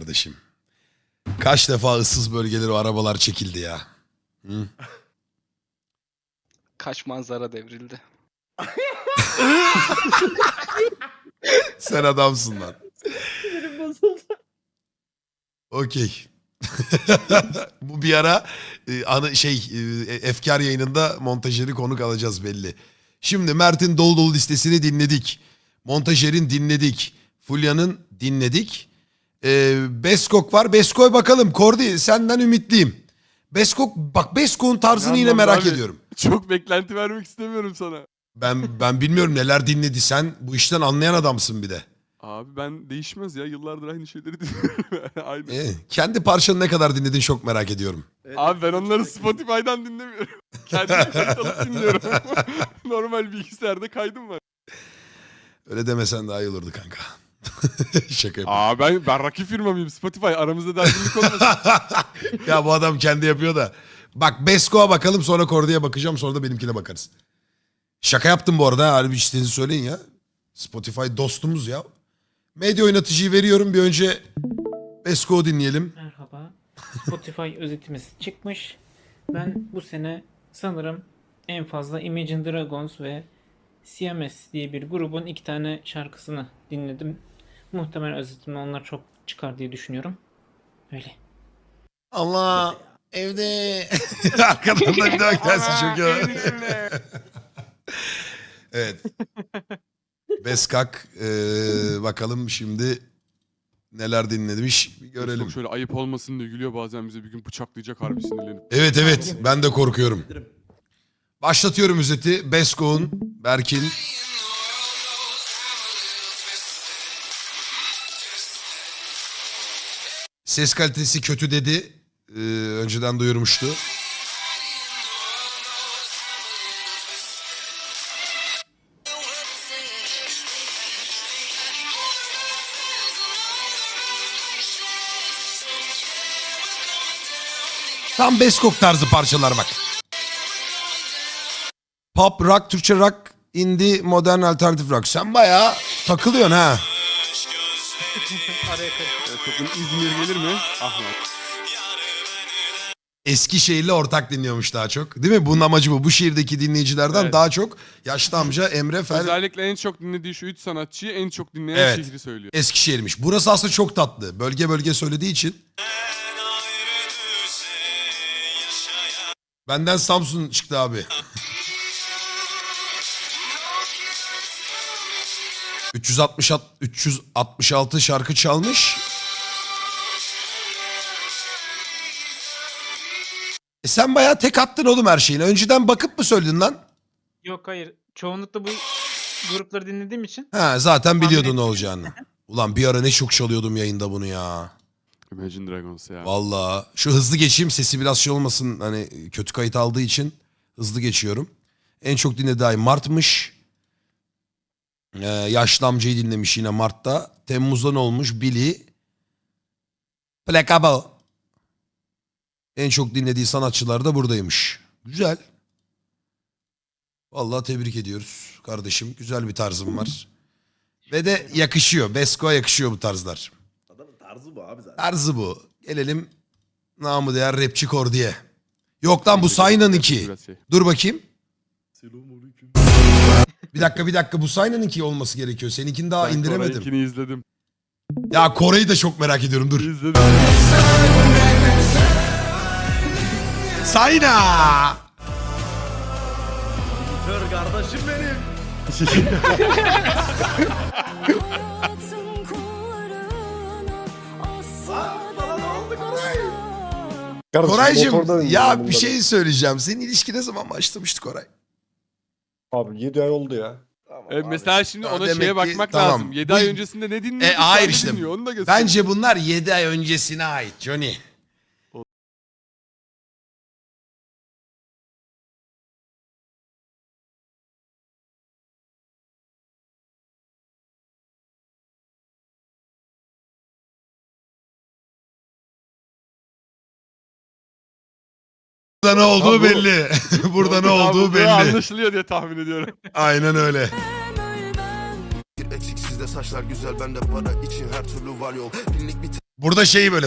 kardeşim. Kaç defa ıssız bölgelere o arabalar çekildi ya. Hı? Kaç manzara devrildi. Sen adamsın lan. Sinirim bozuldu. Okey. Bu bir ara efkar yayınında montajeri konuk alacağız belli. Şimdi Mert'in dolu dolu listesini dinledik. Montajerin dinledik. Fulya'nın dinledik. Beskok var. Beskok'a bakalım. Kordi senden ümitliyim. Beskok bak, Beskok'un tarzını yine Yalnız merak abi, ediyorum. Çok beklenti vermek istemiyorum sana. Ben bilmiyorum neler dinledi. Sen bu işten anlayan adamsın bir de. Abi ben değişmez ya. Yıllardır aynı şeyleri dinliyorum. Aynı. Kendi parçanı ne kadar dinledin çok merak ediyorum. Abi ben onları Spotify'dan dinlemiyorum. Kendim kayıt alıp dinliyorum. Normal bilgisayarda kaydım var. Öyle demesen daha iyi olurdu kanka. Şaka yapıyorum. Ben rakip firma mıyım? Spotify aramızda derginlik olmasın. Ya bu adam kendi yapıyor da. Bak Beskok'a bakalım, sonra Kordi'ye bakacağım, sonra da benimkine bakarız. Şaka yaptım bu arada. Harbi istediğinizi söyleyin ya. Spotify dostumuz ya. Medya oynatıcıyı veriyorum. Bir önce Beskok'u dinleyelim. Merhaba. Spotify özetimiz çıkmış. Ben bu sene sanırım en fazla Imagine Dragons ve CMS diye bir grubun 2 tane şarkısını dinledim. Muhtemelen özetimde onlar çok çıkar diye düşünüyorum. Öyle. Allah evde. Arkadan da bir daha gelsin çok iyi. Evet. Beskak bakalım şimdi neler dinlemiş bir görelim. Çok şöyle ayıp olmasın diye gülüyor, bazen bize bir gün bıçaklayacak harbi sinirlenip. Evet ben de korkuyorum. Başlatıyorum özeti. Beskok'un, Berk'in. Ses kalitesi kötü dedi. Önceden duyurmuştu. Tam Beskok tarzı parçalar bak. Pop, rock, Türkçe rock, indie, modern, alternatif rock. Sen bayağı takılıyorsun ha. Araya karıştı. Sakın İzmir gelir mi? Ahmet. Eskişehir'le ortak dinliyormuş daha çok. Değil mi? Bunun amacı bu. Bu şehirdeki dinleyicilerden Evet. daha çok yaşlı amca Emre Fel Özellikle en çok dinlediği şu 3 sanatçıyı en çok dinleyen Evet. şehri söylüyor. Eskişehir'miş. Burası aslında çok tatlı. Bölge bölge söylediği için. Benden Samsun çıktı abi. 366 şarkı çalmış. Sen bayağı tek attın oğlum her şeyini. Önceden bakıp mı söyledin lan? Yok hayır. Çoğunlukla bu grupları dinlediğim için. Ha, zaten biliyordun Tahmin ne olacağını. Ulan bir ara ne çok çalıyordum yayında bunu ya. Imagine Dragons ya. Vallahi şu hızlı geçeyim, sesi biraz şey olmasın, hani kötü kayıt aldığı için hızlı geçiyorum. En çok dinlediği ay Mart'mış. Yaşlı amcayı dinlemiş yine Mart'ta. Temmuz'da ne olmuş? Billy. Placebo. En çok dinlediği sanatçılar da buradaymış. Güzel. Vallahi tebrik ediyoruz kardeşim. Güzel bir tarzım var. Ve de yakışıyor. Beskok'a yakışıyor bu tarzlar. Adamın tarzı bu abi zaten. Tarzı bu. Gelelim namı değer rapçi Kordi'ye. Yok lan bu Saynan 2. Biraz şey. Dur bakayım. Selamünaleyküm. Bir dakika bu Saynan 2 olması gerekiyor. Seninkini daha Ben indiremedim. Koray'ınkini izledim. Ya Kore'yi de çok merak ediyorum, dur. İzledim. Sayna! Kör kardeşim benim. Bana ne oldu Koray? Koraycığım ya bir şey söyleyeceğim. Senin ilişki ne zaman başlamıştı Koray? Abi 7 ay oldu ya. Tamam Mesela şimdi Ha, ona demek şeye ki bakmak tamam. lazım. 7 Bu- ay öncesinde ne dinliyordu? Hayır şu işte. anda dinliyor, onu da göster. Bence bunlar 7 ay öncesine ait Johnny. Burada ne olduğu Ha, bu- belli. Burada ne Abi, olduğu bu belli. Anlaşılıyor diye tahmin ediyorum. Aynen öyle. Eksik sizde saçlar güzel bende para için her türlü var yol. Binlik bir Burada şeyi böyle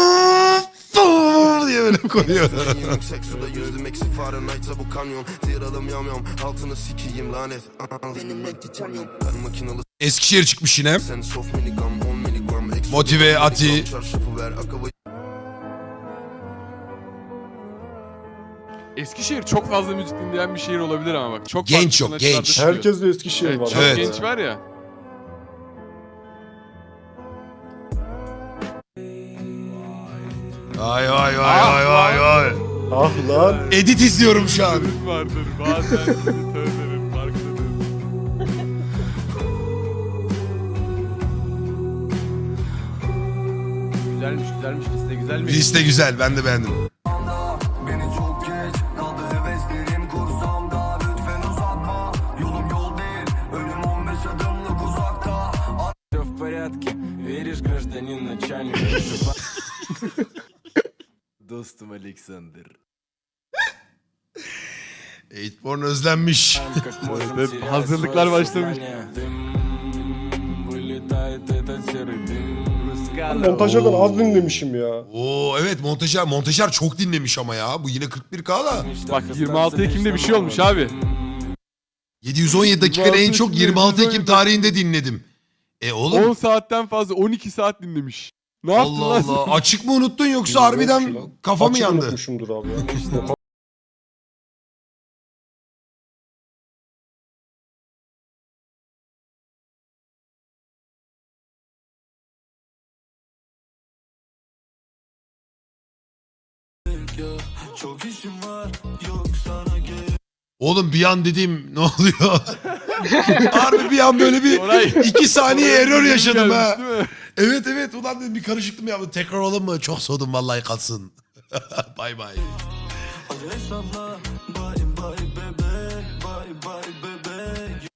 diye böyle koyuyor. Yüksek suda yüzdüm eksi Fahrenheit'sa bu kanyon. Ziralım yamyam altını sikiyim lanet. Benim net titanyum. Ben makinalı Eskişehir çıkmış yine. sen soft miligram 10 miligram. Motive, Ati. Çarşafı ver akavayı. Eskişehir çok fazla müzik dinleyen bir şehir olabilir ama bak. Çok Genç farklı yok, sanatçılar genç. da çıkıyor. Herkes de Eskişehir Evet, var. çok Evet. genç var ya. Vay vay vay vay vay vay. Ah lan. Edit izliyorum şu an. Vardır bazen tövbenin farklıdır. Güzelmiş güzelmiş liste güzelmiş. Liste güzel, ben de beğendim. Beni çok geç kaldı heveslerim kursamda. Lütfen uzatma, yolum yol değil, ölüm 15 adımlık uzakta. Все в порядке, веришь, гражданин начальник? Dostum Alexander. Eightborn özlenmiş. Как можем Evet, терять hazırlıklar свое başlamış. сознание? Дым, вылетает этот serый dым. Montajlardan az dinlemişim ya. Oo evet, montajer çok dinlemiş ama ya. Bu yine 41K da. Bak 26 Ekim'de bir şey olmuş abi. 717 dakikada en çok 26 Ekim tarihinde dinledim. 10 Oğlum saatten fazla 12 saat dinlemiş. Ne yaptın Allah lan sen? Allah. Açık mı unuttun yoksa Bilmiyorum harbiden ki lan. kafa mı Açık yandı? unutmuşumdur abi ya. Çok işim var, yok sana gerek. Oğlum bir an dedim ne oluyor? Harbi bir an böyle bir Oray. 2 saniye error yaşadım ha. Gelmiş, değil mi? Evet evet, ulan dedim bir karışıklık mı yaptım? Tekrar olalım mı? Çok soğudum vallahi, kalsın. Bay bay. Hadi hesapla, bye bye bebek, bye bye bebek.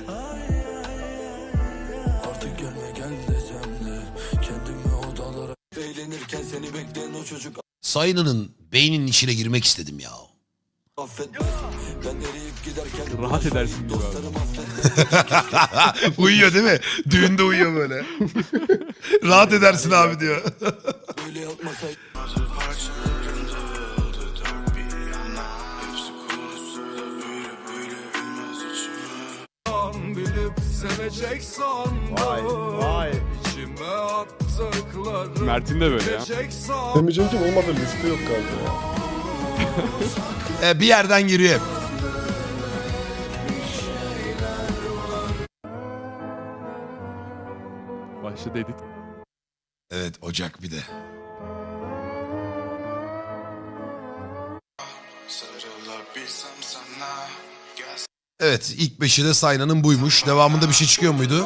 Artık gelme gel desem de, kendimi odalara eğlenirken seni bekleyen o çocuk Sayınının beyninin içine girmek istedim ya. affetmez. Ben eriyip giderken Rahat edersin gibi abi. dostlarım affetmez. Uyuyor değil mi? Düğünde uyuyor böyle. Rahat edersin abi diyor. Böyle yapmasaydı. Vay vay. Mert'in de böyle ya. Demeyeceğim ki olmadı, liste yok galiba ya. Bir yerden giriyor hep. Başladı edit. Evet, Ocak bir de. Evet, ilk 5'i de Sayna'nın buymuş. Devamında bir şey çıkıyor muydu?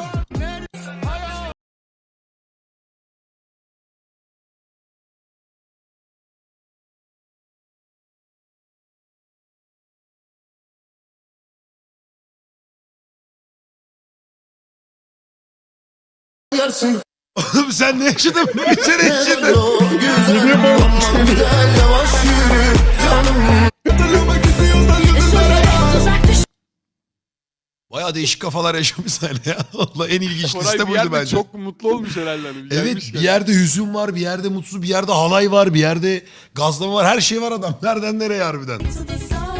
Oğlum sen ne yaşadın? Bir sene yaşadın. Bayağı değişik kafalar yaşamış Sayna ya. Valla en ilginç Koray liste bir buydu yerde bence. çok mutlu olmuş herhalde. Hani. Evet, Gelmiş bir yerde hüzün var, bir yerde mutsuz, bir yerde halay var, bir yerde gazlama var. Her şey var adam. Nereden nereye harbiden. So the sun